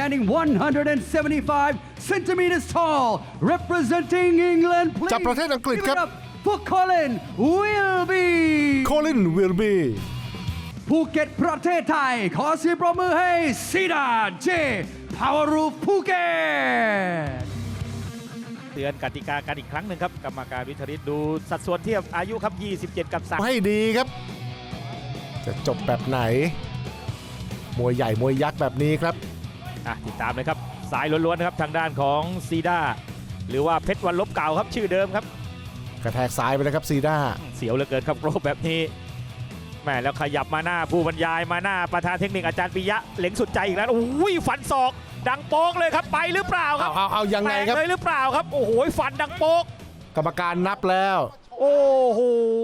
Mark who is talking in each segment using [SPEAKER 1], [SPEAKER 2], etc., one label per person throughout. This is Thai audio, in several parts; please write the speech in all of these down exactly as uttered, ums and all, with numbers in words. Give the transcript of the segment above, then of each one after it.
[SPEAKER 1] standing one hundred seventy-five centimeters tall, representing England. Please
[SPEAKER 2] จากประเทศอังกฤษครับ
[SPEAKER 1] give it up for Colin Wilby
[SPEAKER 2] โคลินวิลบี
[SPEAKER 1] ภูเก็ตประเทศไทยขอเสียงปรบมือให้ซีดาเจพาวรูฟภูเก็ต
[SPEAKER 3] เตือนกติกากันอีกครั้งหนึ่งครับกรรมการวิทริตดูสัดส่วนเทียบอายุครับยี่สิบเจ็ดกับสาม
[SPEAKER 2] ให้ดีครับ จะจบแบบไหน มวยใหญ่มวยยักษ์แบบนี้ครับ
[SPEAKER 3] อ่ะติดตามเลยครับสายล้วนๆครับทางด้านของซีด้าหรือว่าเพชรวันลบเก่าครับชื่อเดิมครับ
[SPEAKER 2] กระแทกซ้ายไปเลยครับซีด้า
[SPEAKER 3] เสียวเหลือเกินครับโกรบแบบนี้แม่แล้วขยับมาหน้าผู้บรรยายมาหน้าประธานเทคนิคอาจารย์ปิยะเหล็งสุดใจอีกแล้วโอ้ยฟันศอกดังโป๊กเลยครับไปหรือเปล่าครั
[SPEAKER 2] เอา
[SPEAKER 3] บ
[SPEAKER 2] เอาเอายังไงครับ
[SPEAKER 3] แตกเลยหรือเปล่าครับโอ้โหฟันดังโป๊ก
[SPEAKER 2] กรรมการนับแล้ว
[SPEAKER 3] โอ้โห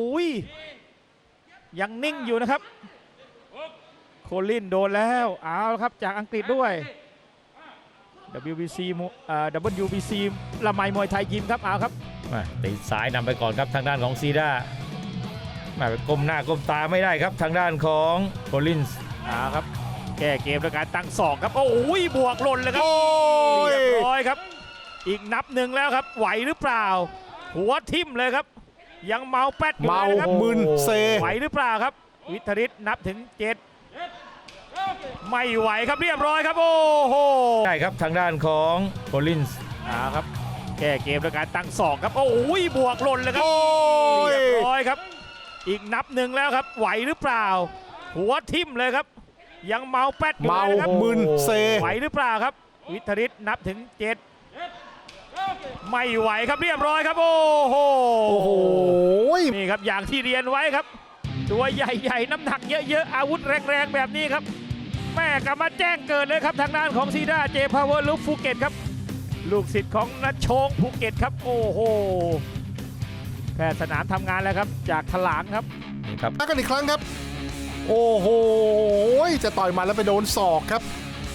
[SPEAKER 3] ยังนิ่งอยู่นะครับโคลินโดนแล้วเอาละครับจากอังกฤษด้วย ดับเบิลยู บี ซี อ่า ดับเบิลยู บี ซี ละไมมวยไทยยิมครับเอาครับตีซ้ายนำไปก่อนครับทางด้านของซีด้ามาก้มหน้าก้มตาไม่ได้ครับทางด้านของโคลินส์เอาครับแก้เกมด้วยการตั้งศอกครับโอ้ยบวกหล่นเลยครับ
[SPEAKER 2] โอ้ย
[SPEAKER 3] เรียบร้อยครับอีกนับหนึ่งแล้วครับไหวหรือเปล่าหัวทิ่มเลยครับยังเมาแป๊ดอยู่
[SPEAKER 2] เมา
[SPEAKER 3] เลยนะครับ
[SPEAKER 2] มึนเซ
[SPEAKER 3] ไหวหรือเปล่าครับวิทริตนับถึงเจ็ดไม่ไหวครับเรียบร้อยครับโอ้โหได้ครับทางด้านของโคลินส์อ่าครับแก้เกมด้วยการตั้งศอกครับโอ้ยบวกหล่นเลยครับ
[SPEAKER 2] โอ้ย
[SPEAKER 3] เรียบร้อยครับอีกนับหนึ่งแล้วครับไหวหรือเปล่าหัวทิ่มเลยครับยังเมาแป๊ดอยู่
[SPEAKER 2] เมา
[SPEAKER 3] เลยนะครับ
[SPEAKER 2] มึนเซ
[SPEAKER 3] ไหวหรือเปล่าครับวิทริตนับถึงเจ็ดไม่ไหวครับเรียบร้อยครับโอ้โห
[SPEAKER 2] โอ้โห
[SPEAKER 3] นี่ครับอย่างที่เรียนไว้ครับตัวใหญ่ๆน้ำหนักเยอะๆอาวุธแรงๆแบบนี้ครับแม่กลับมาแจ้งเกิดเลยครับทางด้านของซีด้าเจพาวเวอร์ลูกภูเก็ตครับลูกศิษย์ของนัชโชงภูเก็ตครับโอ้โหแค่สนามทำงานแล้วครับจากถลางครับนี่ครับ
[SPEAKER 2] มากันอีกครั้งครับ โอ้โห จะต่อยมาแล้วไปโดนศอกครับ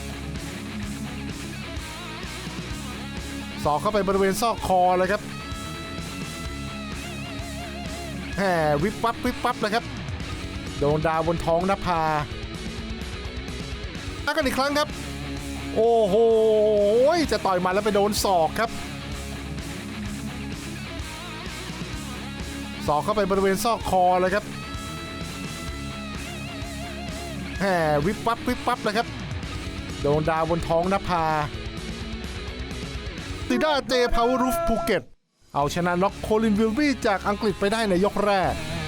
[SPEAKER 2] ศอกเข้าไปบริเวณซอกคอเลยครับแหมวิบวับวิบวับเลยครับ โดนดาวบนท้องนภามากันอีกครั้งครับ โอ้โห จะต่อยมาแล้วไปโดนศอกครับ ศอกเข้าไปบริเวณซอกคอเลยครับแหมวิบวับวิบวับเลยครับ โดนดาวบนท้องนภาซีด้าเจพาวรูฟภูเก็ตเอาชนะน็อกโคลินวิลบี้จากอังกฤษไปได้ในยกแรก